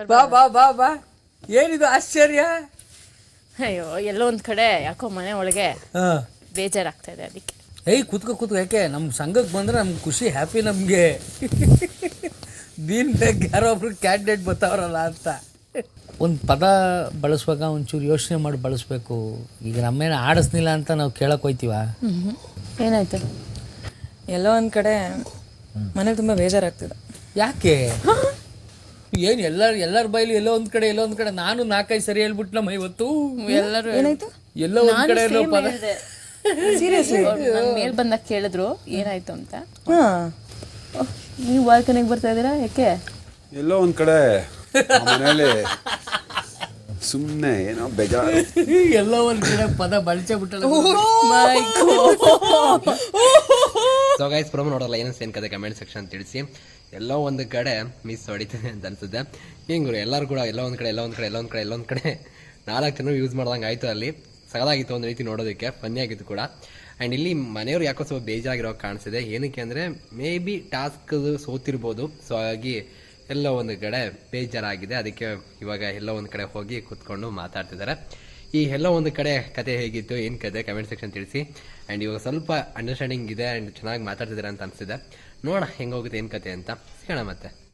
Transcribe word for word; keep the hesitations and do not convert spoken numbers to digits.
ಬಾ ಬಾ ಬಾ ಬಾ ಏನಿದು ಆಶ್ಚರ್ಯ. ಅಯ್ಯೋ ಎಲ್ಲೋ ಒಂದ್ ಕಡೆ ಯಾಕೋ ಮನೆ ಒಳಗೆ ಹಾ ಬೇಜಾರಾಗ್ತಾ ಇದೆ ಅದಕ್ಕೆ. ಏಯ್ ಕೂತ್ಕೋ ಕೂತ್ಕೋ, ಯಾಕೆ ನಮ್ಮ ಸಂಘಕ್ಕೆ ಬಂದರೆ ನಮ್ಗೆ ಖುಷಿ, ಹ್ಯಾಪಿ ನಮಗೆ. ದೀನ್ ಬೇಗ ಯಾರೋ ಒಬ್ರು ಕ್ಯಾಂಡಿಡೇಟ್ ಬರ್ತಾವ್ರಲ್ಲ ಅಂತ. ಒಂದು ಪದ ಬಳಸುವಾಗ ಒಂಚೂರು ಯೋಚನೆ ಮಾಡಿ ಬಳಸಬೇಕು. ಈಗ ನಮ್ಮೇನು ಆಡಿಸ್ನಿಲ್ಲ ಅಂತ ನಾವು ಕೇಳಕ್ಕೆ ಹೋಯ್ತೀವ. ಏನಾಯ್ತು? ಎಲ್ಲೋ ಒಂದು ಕಡೆ ಮನೇಲಿ ತುಂಬ ಬೇಜಾರಾಗ್ತಿದೆ. ಯಾಕೆ? ಏನು ಎಲ್ಲರ ಎಲ್ಲರ ಬೈಲಿ ಎಲ್ಲೋ ಒಂದು ಕಡೆ ಎಲ್ಲೋ ಒಂದು ಕಡೆ. ನಾನು ನಾಲ್ಕೈದು ಸರಿ ಹೇಳ್ಬಿಟ್ನಮ್ಮ ಇವತ್ತು. ಎಲ್ಲರೂ ಏನಾಯ್ತು? ಎಲ್ಲೋ ಒಂದು ಕಡೆ ಎಲ್ಲೋ ಪದ. ಸೀರಿಯಸ್ಲಿ ನನ್ ಮೇಲ್ ಬಂದಾಗ ಕೇಳಿದ್ರು ಏನಾಯ್ತು ಅಂತ. ಹಾಂ, ನೀವು ಬಾಲ್ಕನಿಗೆ ಬರ್ತಾ ಇದ್ದೀರಾ ಯಾಕೆ? ಎಲ್ಲೋ ಒಂದ್ ಕಡೆ ಮನೇಲಿ ಸುಮ್ಮನೆ ಏನೋ ಬೇಜಾರು. ಎಲ್ಲೋ ಒಂದು ಕಡೆ ಪದ ಬಳಸೇ ಬಿಟ್ಟಲ್ಲ. ಸೊ ಗೈಸ್, ಪ್ರೋಮೋ ನೋಡಲ್ಲ ಏನೋ ಸೇನ್ ಕತೆ ಕಮೆಂಟ್ ಸೆಕ್ಷನ್ ತಿಳಿಸಿ. ಎಲ್ಲೋ ಒಂದು ಕಡೆ ಮಿಸ್ ಹೊಡಿತದೆ ಅಂತ ಅನ್ಸುತ್ತೆ. ಹಿಂಗೆ ಎಲ್ಲರೂ ಕೂಡ ಎಲ್ಲೋ ಒಂದು ಕಡೆ ಎಲ್ಲೋ ಒಂದು ಕಡೆ ಎಲ್ಲೋ ಒಂದು ಕಡೆ ಎಲ್ಲೊಂದು ಕಡೆ ನಾಲ್ಕು ಜನ ಯೂಸ್ ಮಾಡ್ದಂಗೆ ಆಯಿತು. ಅಲ್ಲಿ ಸಗದಾಗಿತ್ತು ಒಂದು ರೀತಿ ನೋಡೋದಕ್ಕೆ, ಫನ್ನಿ ಆಗಿತ್ತು ಕೂಡ. ಆ್ಯಂಡ್ ಇಲ್ಲಿ ಮನೆಯವರು ಯಾಕೋ ಸ್ವಲ್ಪ ಬೇಜಾರಾಗಿರೋ ಕಾಣಿಸಿದೆ. ಏನಕ್ಕೆ ಅಂದರೆ ಮೇ ಬಿ ಟಾಸ್ಕ್ ಸೋತಿರ್ಬೋದು. ಸೊ ಹಾಗಾಗಿ ಎಲ್ಲೋ ಒಂದು ಕಡೆ ಬೇಜಾರಾಗಿದೆ. ಅದಕ್ಕೆ ಇವಾಗ ಎಲ್ಲೋ ಒಂದು ಕಡೆ ಹೋಗಿ ಕೂತ್ಕೊಂಡು ಮಾತಾಡ್ತಿದ್ದಾರೆ. ಈ ಎಲ್ಲೋ ಒಂದು ಕಡೆ ಕತೆ ಹೇಗಿತ್ತು, ಏನು ಕತೆ ಕಮೆಂಟ್ ಸೆಕ್ಷನ್ ತಿಳಿಸಿ. ಆ್ಯಂಡ್ ಇವಾಗ ಸ್ವಲ್ಪ ಅಂಡರ್ಸ್ಟ್ಯಾಂಡಿಂಗ್ ಇದೆ ಆ್ಯಂಡ್ ಚೆನ್ನಾಗಿ ಮಾತಾಡ್ತಿದ್ದಾರೆ ಅಂತ ಅನಿಸಿದೆ. ನೋಡೋಣ ಹೆಂಗೆ ಹೋಗುತ್ತೆ ಏನು ಕತೆ ಅಂತ. ಸಿಗೋಣ ಮತ್ತೆ.